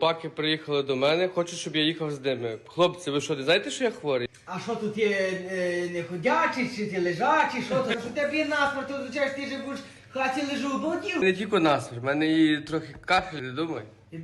хлопаки приїхали до мене, хочуть, щоб я їхав з ними. Хлопці, ви що, не знаєте, що я хворий? А що тут є не ходячий, чи ти лежачий, що тут? Що тебе є насмерть, то означає, що ти же будеш в хаті лежу, болотів. Не тільки насмерть, в мене і трохи кашель, не думай.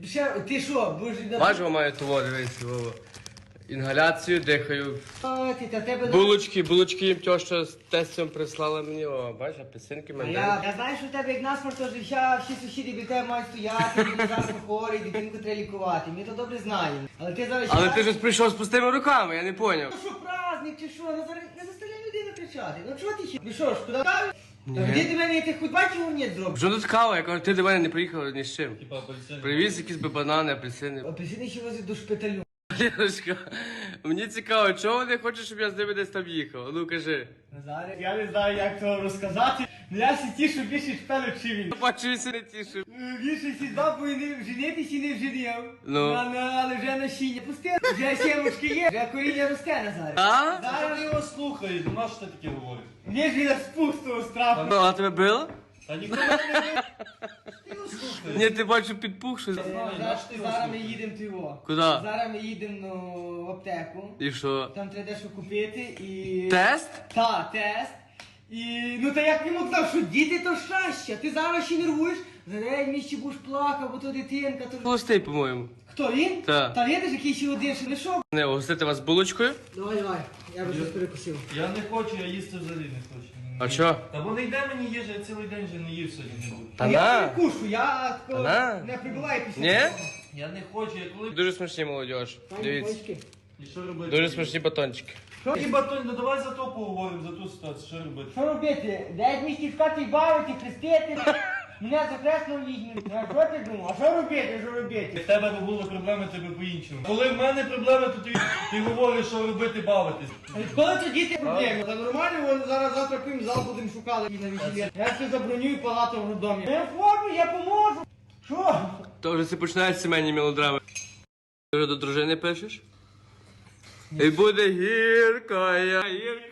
Ти що, будеш... Важко маю того, дивись, Вова. Інгаляцію дихаю. А, ти, та тебе... Булочки їм тьоща з тестем прислала мені, о, бачиш, апельсинки А мене. я знаю, що в тебе як насмерть, то всі сусіди біля тебе мають стояти, ти завжди хворий, дитинку треба лікувати. Ми то добре знаємо. Але ти зараз... Але ти ж прийшов з пустими руками, я не поняв. Ну що, праздник чи що? Ну зараз не заставляй людину кричати. Ну чого ти ще? Ну що ж, куди ставиш? Ні. Та де ти мене, ти хоч бачив, ні зробиш? Що тут кава? Я кажу, ти до мене не приїхав ні з чим. Типа апельсин. Привіз якісь би банани, апельсини. Апельсини ще возить до шпиталю. Лєшка, мені цікаво, чого вони хочуть, щоб я з ними десь там їхав? Ну кажи. Назаре, я не знаю, як то розказати. Ну я всі тішу більше шпелю, чи він. Бачуся не тішив. Більше всі бабу і не женитись і не вженів. Ну. Але вже насіння пусте. Вже сімочки є, вже коріння росте, Назаре. А? Зараз Ти його слухаєш, ну на що ти таке говориш? мені ж він спустого страху. Ну, а тебе било? Та ніколи не... Ти його слухаєш. Ні, ти бачу підпух щось. Зараз ми їдемо в його. Куди? Зараз ми їдемо в аптеку. І що? Там треба дещо купити і... Тест? Та, тест. І ну та як йому казав, що діти то щастя. Ти зараз ще нервуєш, зараз місці будеш плакав, бо то дитинка, то... Холостий, по-моєму. Хто він? Та. Та видиш, який ще один, що лишов? Не, угостити вас булочкою? Давай, я би щось перекусив. Я не хочу, я їсти взагалі не хочу. А що? Та бо не йде мені їжа, я цілий день вже не їв сьогодні не буду. Та Я на. перекушу, я такого на. не прибуваю після Ні? того. Я не хочу, я коли... Дуже смачні молодіж. Пані Дивіться. Бочки. І що робити? Дуже смачні батончики. І батон, ну давай за то поговоримо, за ту ситуацію, що робити? Що робити? Десь місті в хаті бавити, хрестити. Мене за хресно візьмуть. А що ти думав? А що робити, що робити? В тебе не було проблеми, тебе по-іншому. Коли в мене проблеми, то ти говориш, що робити, бавитись. Коли це діти проблеми? Та нормально, вони зараз завтра пим зал будемо шукати і на весілля. Я ще забронюю палату в роддомі. Я форму, я поможу. Що? То вже це починають сімейні мелодрами. Ти вже до дружини пишеш? І буде гіркая,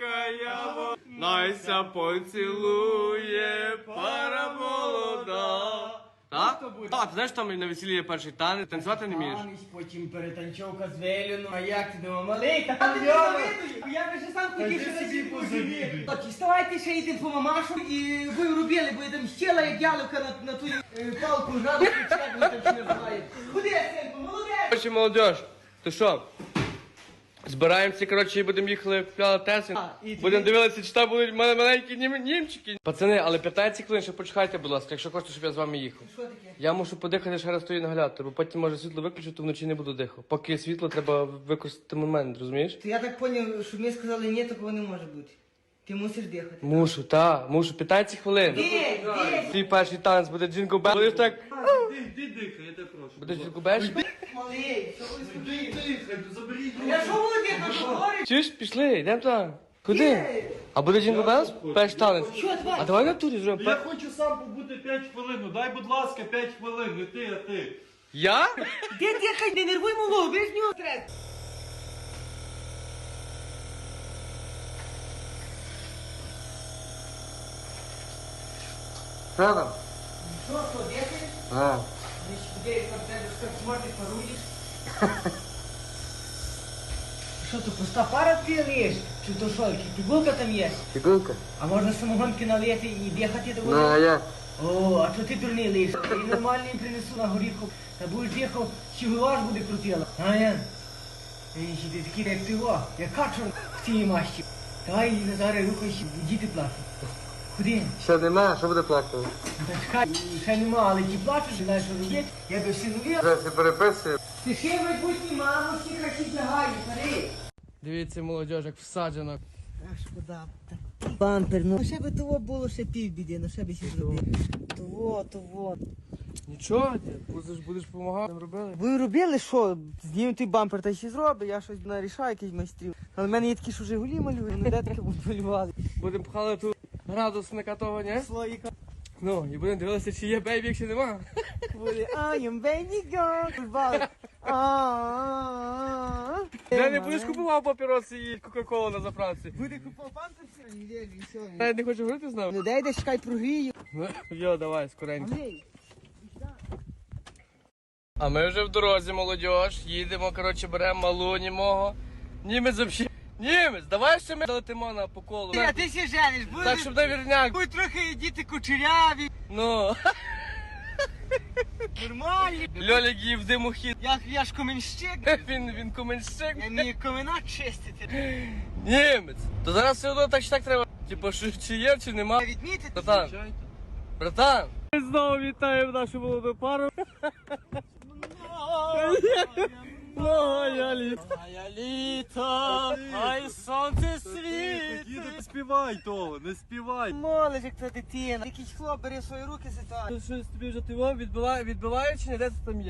найся поцілує пара молода. Так? А, ти знаєш, там на весіллі є перший танець, танцювати не вмієш? Танець, потім перетанчовка з Веліну. А як ти думав, малий? Та ти не завидуєш. Я би ще сам хотів, що ти на собі цій позавідуй. Тоді ставайте ще йти по мамашу і ви робили, бо я там щела, як яловка на ту палку жаду, чи як ви там ще називаєте. Куди, синку, молодець? Короче, молодіж, то що? Збираємося, коротше, і будемо їхали в піалатесин. і ти- Будемо дивитися, чи там будуть маленькі німчики. Пацани, але 15 хвилин, ще почекайте, будь ласка, якщо хочете, щоб я з вами їхав. Що таке? Я мушу подихати ще раз той інгалятор, бо потім може світло виключити, то вночі не буду дихати. Поки світло, треба використати момент, розумієш? То я так поняв, що ми сказали ні, такого не може бути. Ти мусиш дихати. Мушу, 15 хвилин. Де? Твій перший танець буде джингл бел. Будеш так, Ти дихай, я тебе прошу. будеш джингл бел? Малий, що ви собі? Дихай, заберіть Я що буду дихати, говорю? Чуєш, пішли, йдемо там. Куди? А буде джингл белс? Перший танець. Що, давай? А давай на турі зробимо. Я хочу сам побути 5 хвилин, ну дай, будь ласка, 5 хвилин, не ти, а ти. Я? Де дихай, не нервуй малого, ви ж нього стрес. Що там? Що, дихаєш? А. Ми ж туди, там тебе так смотри, паруєш. Що то, пуста пара п'єш? Чи то що, пігулка там є? Фігурка? А можна самогонки налити і дихати до Ну, а я? О, а що ти дурний лиш? І нормальний принесу на горіху. Та будеш дихав, щігулаш буде крутила. А я? Ще ти такий, як ти о, як качур в цій мащі. Давай, Назаре, рухайся, діти плачуть. Куди? Ще нема, що буде плакати? Та чекай, ще нема, але ті плачуть, знаєш, що робити. Я би всі нові. Вже все переписую. Ти ще майбутній мамо, всі красі тягають, старий. Дивіться, молодіж, як всаджено. Ах, шкода. Бампер, ну ще би того було ще півбіди, ну ще би ще зробив. Того. Нічого, будеш допомагати, робили? Ви робили що? Знімемо той бампер та ще зробить, я щось нарішаю, якийсь майстрів. Але в мене є такі, що Жигулі малюють, ну де таке будуть малювати. Будемо пхали ту градусника того, ні? Слоїка. Ну, і будемо дивитися, чи є бейбі, якщо нема. Буде I am baby girl. Я не будеш купував папіроси і кока-колу на заправці. Буде купав бампер сьогодні, Лєві, все. Навіть не хочу говорити з нами. Ну дай чекай прогрію. Йо, давай, скоренько. Малий. А ми вже в дорозі, молодіж. Їдемо, коротше, беремо малу німого. Німець взагалі. Німець, давай ще ми залетимо на по колу. А ти сі жениш, будеш? Так, щоб навірняк. Будь трохи діти кучеряві, Ну, нормальні. Льолік їв димохід. Я ж коменщик, Він коменщик. я вмію комена чистити. Німець. То зараз все одно так чи так треба. Типу, що чи є, чи нема. Відмітити? Братан, братан. Ми знову вітаємо нашу молоду пару. Моя літо. Моя літо, ай сонце світ. Не співай того, не співай. Молиш, як та дитина. Якийсь хлоп бере в свої руки ситуацію. Щось тобі вже ти відбиває чи не де ти там є?